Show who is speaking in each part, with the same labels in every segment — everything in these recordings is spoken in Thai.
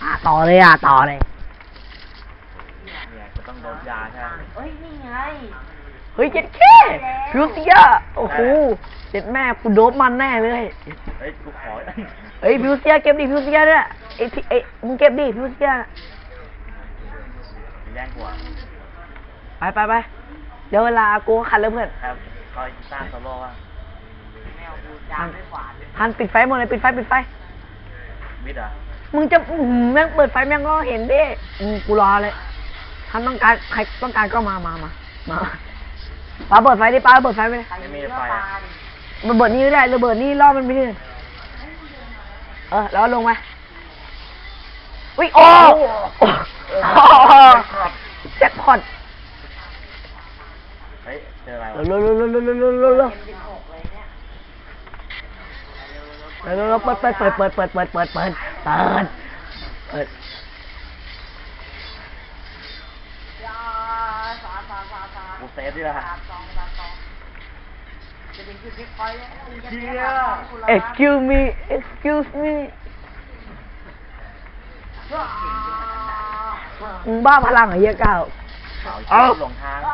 Speaker 1: ต่อเลยต่อเลย
Speaker 2: เนี่ยจะต้องโดนยาใช่ไหม
Speaker 3: เฮ้ยนี่ไง
Speaker 1: เฮ้ยเจ็ดแค่พิวเซียโอ้โหเจ็ดแม่กูโดบมันแน่เลย
Speaker 2: เฮ้ยกูขอ
Speaker 1: เฮ้ยพิวเซียเก็บดิพิวเซียด้วยไอ้มึงเก็บดิพิวเซีย
Speaker 2: แย่งกว่า
Speaker 1: ไปเดี๋ยวเวลากูขัดแล้วเพื่อน
Speaker 2: ครับคอยกีตาร์โซโล่ว่ะ
Speaker 3: แมวกูจามด้วยขวาน
Speaker 1: ฮันปิดไฟหมดเลยปิดไฟ
Speaker 2: มิดอ่ะ
Speaker 1: มึงจะแม่งเปิดไฟแม่งก็เห็นดิกูรอเลยท่านต้องการใครต้องการก็มาป้าเปิดไฟดิป้าเปิดไฟไปเลย
Speaker 2: ไม่มีไฟ
Speaker 1: ระเบิดนี่ก็ได้ระเบิดนี่ล่อมันไปดิแล้วลงไปอุ้ยโอ้แจ็คพอต
Speaker 2: เฮ้ยเจออะไรวะ
Speaker 1: เปิด
Speaker 2: กูเซฟดิละ
Speaker 1: excuse me มึงบ้าพลังเหรอเหี้ยก้าว
Speaker 2: เอาหลงทาง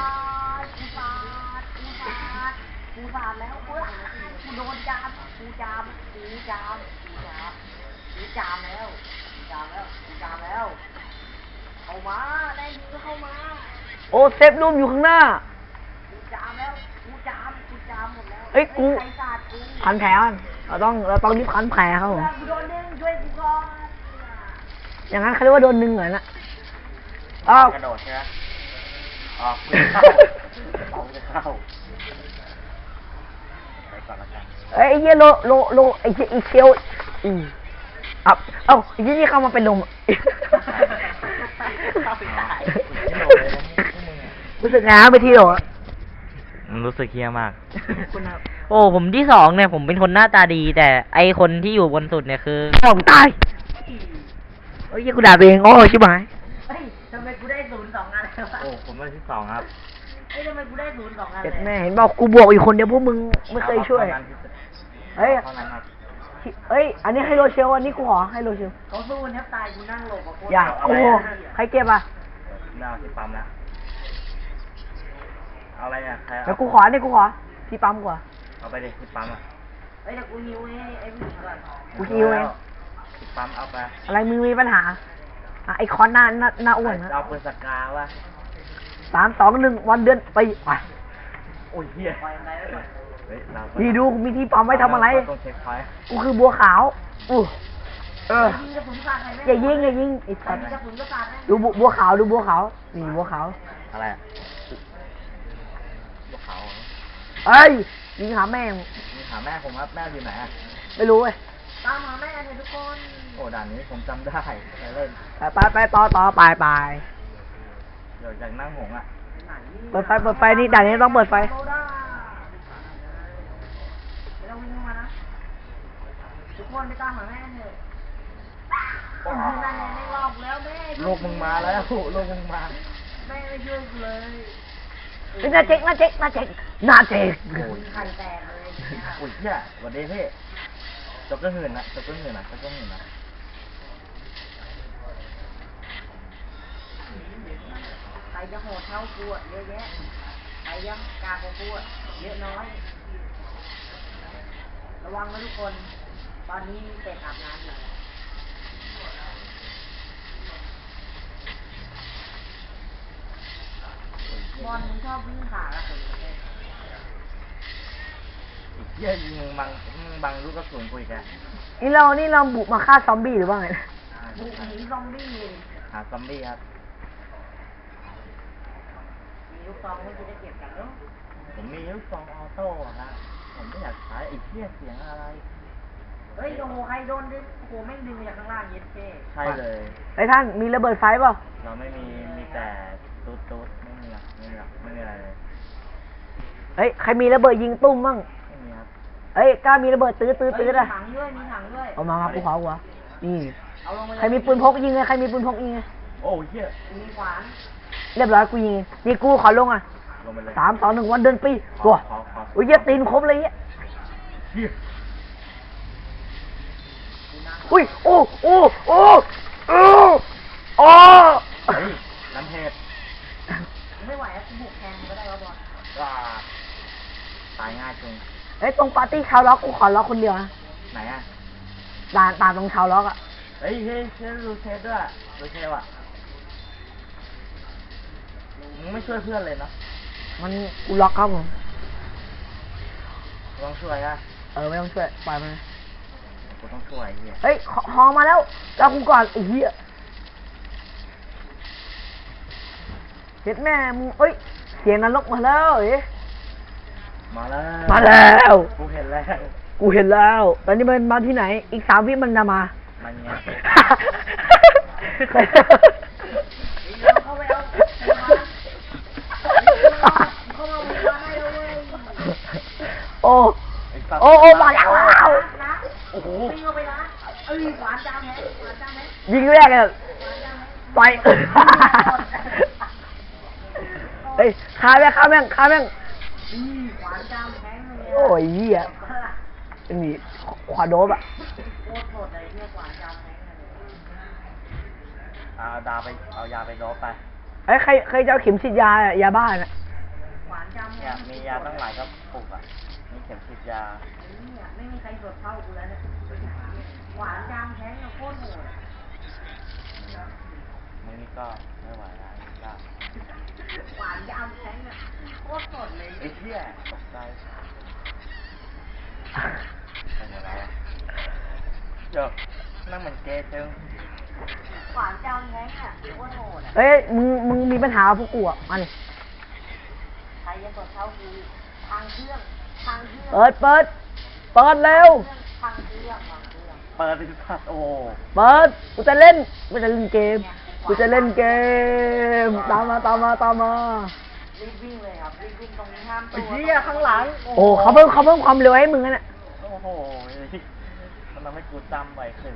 Speaker 3: กูสาดแล้วกูโดนจามแล้วเข้ามาได้ยินก็เข้ามา
Speaker 1: โอ้เซฟรูมอยู่ข้างหน้า
Speaker 3: กูจามหมดแล้ว
Speaker 1: เฮ้ยกูพันแผลเราต้องรีบพันแผลเขา
Speaker 3: กูโดนดึงช่วยกูก่อน
Speaker 1: อย่างนั้นเขาเรียกว่าโดนดึงเหรอนะ
Speaker 2: กระโดดใช่ไหมออกจะเข้าไปก่อนละกัน
Speaker 1: ไอ้เหี้ยโลไอ้เหี้ยอีเคียวไอ้ที่เข้ามาเป็นลมรู้สึกไงไปที่โหล
Speaker 2: รู้สึกเฮี้ยมาก
Speaker 4: โอ้ผมที่สองเนี่ยผมเป็นคนหน้าตาดีแต่ไอคนที่อยู่บนสุดเนี่ยคือ
Speaker 1: ผมตายเฮ้ยกูด่าตัวเองโอ้ชิบหาย
Speaker 3: เฮ้ยทำไมกูได้0-2 อันเลยวะ
Speaker 2: โอ้ผมได้ที่2ครับ
Speaker 3: เฮ้ยทำไมกูได้0-2 อันเลย
Speaker 1: แม่เห็นบอกกูบวกอยู่คนเดียวพวกมึงไม่เคยช่วยเฮ้ยอันนี้ให้โรเชลอันนี้กูขอให้โรเชล
Speaker 3: เขาสู้แทบตายกูนั่งหลบกับโค้ช
Speaker 1: อย่าโอ้ใครเก็บ
Speaker 2: น่าที่ปั๊มแล้วเอาอะไรอ่ะ
Speaker 1: แล้วกูขอที่ปั๊มกว่า
Speaker 2: เอาไปดิที่ปั๊มอ่ะ
Speaker 3: เฮ้ยแต่กูหิวไอ้ผู้หญิงก่อน
Speaker 1: กูหิวเอง
Speaker 2: ที่ปั๊มเอาไป
Speaker 1: อะไรมึงมีปัญหาไอคอนหน้าอ้วนนะ
Speaker 2: เอาปืนสกาวะ
Speaker 1: 3 2 1วันเดือนไป
Speaker 2: โอ้ยเหี้ย
Speaker 1: นี่ดูมีที่ปั๊มไว้ทำอะไรกูคือบัวขาวอย่ายิงไอ้สัตว์ดูบัวขาวนี่บัวขาว
Speaker 2: อะไรบัวขาว
Speaker 1: เอ้ยยิงหาแม่
Speaker 2: ผมครับแม่อยู่ไหนอ่ะ
Speaker 1: ไม่รู้เว้ย
Speaker 3: ตามหาแม่เลยทุกคน
Speaker 2: โอ้ด่านนี้ผมจำได้เล่น
Speaker 1: ไปต่อไป
Speaker 2: เดี๋ยวจากนั่งหงอ่ะ
Speaker 1: เปิดไฟนี่ด่านนี้ต้องเปิดไฟ
Speaker 3: ทุกคนไปตามหาแม่เถอะนั่นไงไม่รอบแล้วแม่
Speaker 2: ลูกมึงมาแล้วลูกมึงมา
Speaker 3: แม่ไม่ช่วยเลย
Speaker 1: น่าเจ๊ก
Speaker 3: โอ้ยไข่แตกเลย
Speaker 2: อุ้ยเนี่ยวันนี้พี่จบก็หื่นนะ
Speaker 3: ใครจะโหดเท่ากูอ่ะเยอะแยะใครยังกาของกูอ่ะเยอะน้อยระวังนะทุกคนตอนนี้มีเป็ดอาบน้ำอยู่บอลมึงชอบวิ่งขาละคน
Speaker 2: เยี่ยยิงบังลูกกระสุนกูอีกแล้ว
Speaker 1: นี่เราบุกมาฆ่าซอมบี้หรือว่าไง
Speaker 3: บุกหนีซอมบี้
Speaker 2: หาซอมบี้ครับ
Speaker 3: มีลูกซองไม่จะได้เก็บกันเนาะ
Speaker 2: ผมมีลูกซองออโต้ครับผมไม่อยากใช้ไอ้เหี้ยเสียงอะไร
Speaker 3: เฮ้ยโอ้โหใครโดนดึงโอ้โหแม่งดึงมาจากข้างล่างเย็ดเท่
Speaker 2: ใช่เลย
Speaker 1: ไอ้ท่านมีระเบิดไฟเปล่า
Speaker 2: เราไม่มีแต่ตุ๊ดไม่มีอะไรเลย
Speaker 1: เฮ้ยใครมีระเบิดยิงตุ้มมั่ง
Speaker 2: ไม่มีครับ
Speaker 1: เฮ้ยกล้ามีระเบิดตื้อ
Speaker 3: มีถังด้วย
Speaker 1: เอามากูขอหัวนี่ใครมีปืนพกยิงไง
Speaker 2: โอ้ยเหี้ย
Speaker 3: มีขวาน
Speaker 1: เรียบร้อยกูยิงนี่กูขอลง
Speaker 2: ลงไปเลย
Speaker 1: 3 2 1วันเดินปีตัวอุ้ยเยี่ยตีนครบเลยอุ้ยโอ้โอ้
Speaker 2: เฮ้ยน้ำเพชร
Speaker 3: ไม่ไหวแล้วกูบุกแทนก็ได้วะบอล
Speaker 2: ว่าตายง่ายจริง
Speaker 1: เฮ้ยตรงปาร์ตี้ชาวล็อกกูขอล็อกคนเดียวนะ
Speaker 2: ไหนอ่ะ
Speaker 1: ด่านตรงชาวล็อกอ่ะ
Speaker 2: เฮ้ยเชฟดูเชฟด้วยดูเชฟอ่ะมึงไม่ช่วยเพื่อนเลยเนาะ
Speaker 1: มันกูล็อกครับผม
Speaker 2: ลองช่วยอ่ะ
Speaker 1: ไม่ต้องช่วยปล่อยมัน
Speaker 2: กูต้องช่วยไอ้เหี้ย
Speaker 1: เฮ้ยฮอมาแล้วเรากูก่อนไอ้เหี้ยเห็ดแม่มึงเอ้ยเสียงนรกมาแล้วเอ้ย
Speaker 2: มาแล้ว
Speaker 1: มาแล้ว
Speaker 2: กูเห็นแล้ว
Speaker 1: กูเห็นแล้ว ตอนนี้มันมาที่ไหน อีก3 วิมันจะมา
Speaker 2: มันไง
Speaker 3: เข้าไปเอาเข้ามาให้เราเว้ย
Speaker 1: โอ้
Speaker 2: ไอ้สัตว์
Speaker 1: โอ้มาแล้ว
Speaker 3: นะ
Speaker 2: โอ้โห
Speaker 3: วิ่งเข้าไปนะหวานจามแฮะหวานจามแฮะ
Speaker 1: ยิงแรกเลยไป เฮ้ยฆ่าแม่ง
Speaker 3: หวานจามแฮะเลย
Speaker 1: โอ้ยเหี้ยนี่ขวาโดบอ่ะ
Speaker 3: โคตรโหดเลยเนี่ยหวานจามแฮะเลย
Speaker 2: เอายาไปโดบไป
Speaker 1: เอ้ยใครจะเอาเข็มฉีดยาอะยาบ้าน่ะ
Speaker 3: หวานจาม
Speaker 2: เนี่ยมียาตั้งหลายกระปุกอ่ะมีเข็มฉีดยา
Speaker 3: เนี่ยไม่มีใครสดเท่ากูแล้วเนี่ยหวานจามแฮะเนี่ยโคตรโหด
Speaker 2: มึงนี่ก็ไม่ไหวแล้วนี่ก็
Speaker 3: หวานจามแฮะเนี่ยโคตรสดเลย
Speaker 2: ไอ้เหี้ยตกใจเป็นอะไรอ่ะเดี๋ยวนั่งเหมือนเกย์จึง
Speaker 3: หวานจามแฮะเนี่ยโคตรโหดอ่ะ
Speaker 1: เฮ้ยมึงมีปัญหากับพวกกูอ่ะมาดิ
Speaker 3: ใครจะสดเท่ากูทางเครื่องทางเครื่อง
Speaker 1: เปิดเร็ว
Speaker 3: ทางเครื่องทางเครื่อง
Speaker 2: เปิดไปสัตว์โอ้
Speaker 1: เปิดกูจะเล่นเกมกูจะเล่นเกมตามมา
Speaker 3: รีบวิ่งเลยครับรีบวิ่งตรงนี้ห้ามตั
Speaker 2: ไอ้
Speaker 3: ว
Speaker 2: เหี้ยข้างหลัง
Speaker 1: โอ้เขาเพิ่มความเร็วให้มึงนะเนี่ย
Speaker 2: โอ้โหมันทำให้กูจำไวขึ้น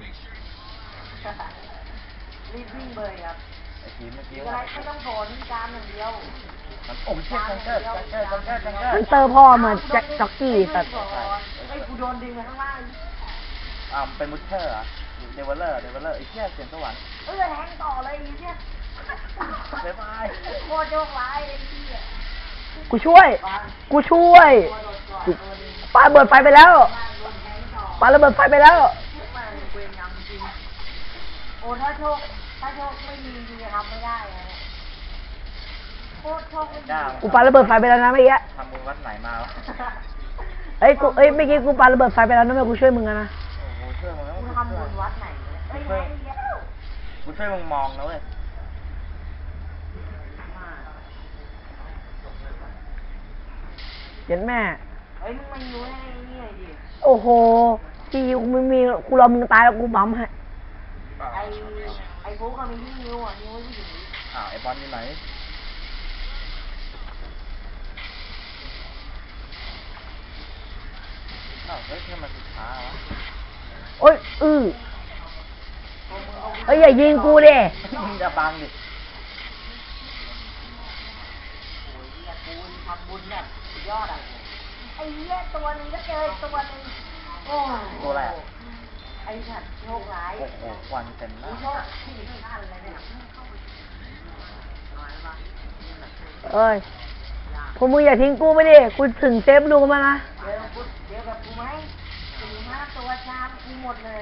Speaker 3: รีบวิ่งเลยครับ
Speaker 2: ไอ้ทีเมื่อกี้
Speaker 3: อะไร
Speaker 2: ว่า
Speaker 3: ไม่ต้องโผล่ที่จามอย่างเดียว
Speaker 2: มันโอ้ยเชี่ยจังเกิด
Speaker 1: ฮันเตอร์พ่อเหมือนแจ็คจ็อกกี้แต่
Speaker 3: ไอ้กูโดนดึงไปข้างล่าง
Speaker 2: เป็นมุชเชอร์เหรอเดเวลเลอร์ไอ้เชี่ยเสียงสวรรค์
Speaker 3: แทงต่อเลยไอ้เนี่ย
Speaker 2: บ๊ายบาย
Speaker 3: โคตรโชคร้ายไอ้ที่อ่ะ
Speaker 1: กูช่วยปาระเบิดไฟไปแล้วปาระเบิดไฟไปแล้ว
Speaker 3: มันเวรกรรมจริงโอ้ถ้าโชคไม่มีจริงๆทำไม่ได้นะโคตรโชคไม่ดี
Speaker 1: กูปาระเบิดไฟไปแล้วนะเมื่อกี้
Speaker 2: ทำมึงวัดไหนมาวะ
Speaker 1: เมื่อกี้กูปาระเบิดไฟไปแล้วนะแม่กูช่วยมึงนะ
Speaker 2: โอ้โหช่วยมึงแล้ว
Speaker 3: กูทำบุญวัดไหนเนี่ยเอ้ยไหนเนี่ย
Speaker 2: กูช่วยมึงมองนะเว้ย
Speaker 1: เห็นแม่
Speaker 3: เฮ้ยมึงมาอยู่ให้นี่หน่อยดิ
Speaker 1: โอ้โหที่มึงมีกูรอมึงตายแล้วกูบั๊มให้
Speaker 3: ไอ้ฟุกเขามีที่นิ้วอ่ะนิ้วที่อยู่
Speaker 2: ไอ้บอลอยู่ไหนเฮ้ยมันสุดท้ายวะ
Speaker 1: โอ้ยอย่ายิงกูดิ
Speaker 2: มึงจะบังดิ
Speaker 3: โอ้ยเนี่ยกูทำบุญแบบสุดยอดอ่ะไอ้เหี้ยตัวหนึงก็เจออีกตัวหนึงโอ้
Speaker 2: ตัวอะไรอ่ะ
Speaker 3: ไอ้สัตว์โชคร้าย
Speaker 2: โอ้โหควันเต็มหน้า
Speaker 3: กูโชคที่ท่านเลยเนี่ย
Speaker 1: เอ้ยพวกมึงอย่าทิ้งกูไปดิ กูถึงเซฟรูมานะ
Speaker 3: เดี๋ยวกับกูไหม4-5ตัวชามกูหมดเลย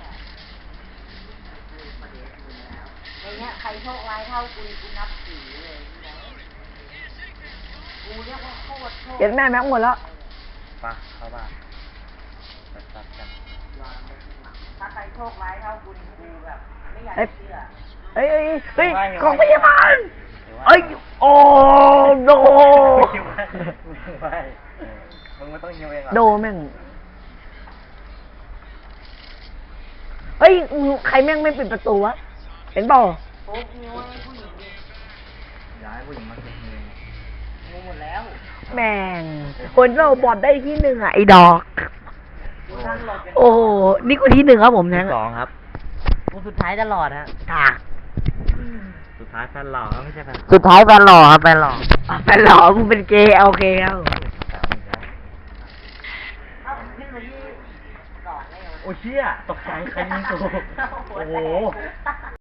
Speaker 3: ในเนี้ยใครโชคร้ายเท่ากูนับถือเลยกูเรียกว่าโคตรโชค
Speaker 1: เห็นแม่แม็กหมดแล้ว
Speaker 2: ไปเข้าบ้านไปตัดกัน
Speaker 3: ถ้าใครโชคร้ายเท่ากูแบบไม่อยากเชื่อ
Speaker 1: เฮ้ยของพยาบาลโอ้โด
Speaker 2: ไม่มึงไม่ต้องยิวเองหรอ
Speaker 1: โดแม่ง เฮ้ยใครแม่งไม่ปิดประตูวะ เห็นเปล่า
Speaker 3: โป๊กนิ้วให้ผู้หญิงดิ
Speaker 2: ย้ายผู้หญิงมาเก็บเงิน
Speaker 3: งูหมดแล้ว
Speaker 1: แม่ง คนเราบอดได้ที่1อ่ะไอ้ดอก
Speaker 3: กูนั่งหลบกัน
Speaker 1: โอ้โห นี่กูที่1ครับผมแทง
Speaker 2: สองครับ
Speaker 4: กูสุดท้ายตลอดฮะ
Speaker 2: สุดท้ายแฟนหล่อไม่ใช่แฟน
Speaker 4: สุดท้ายแฟนหล่อครับแฟนหล่อ
Speaker 1: แฟนหล่อมึงเป็นเกย์โอเคครับ
Speaker 3: เอาขึ้นมาที่2เลย
Speaker 2: โอ้เชี่ยตกใจใครยิงกูโอ้โห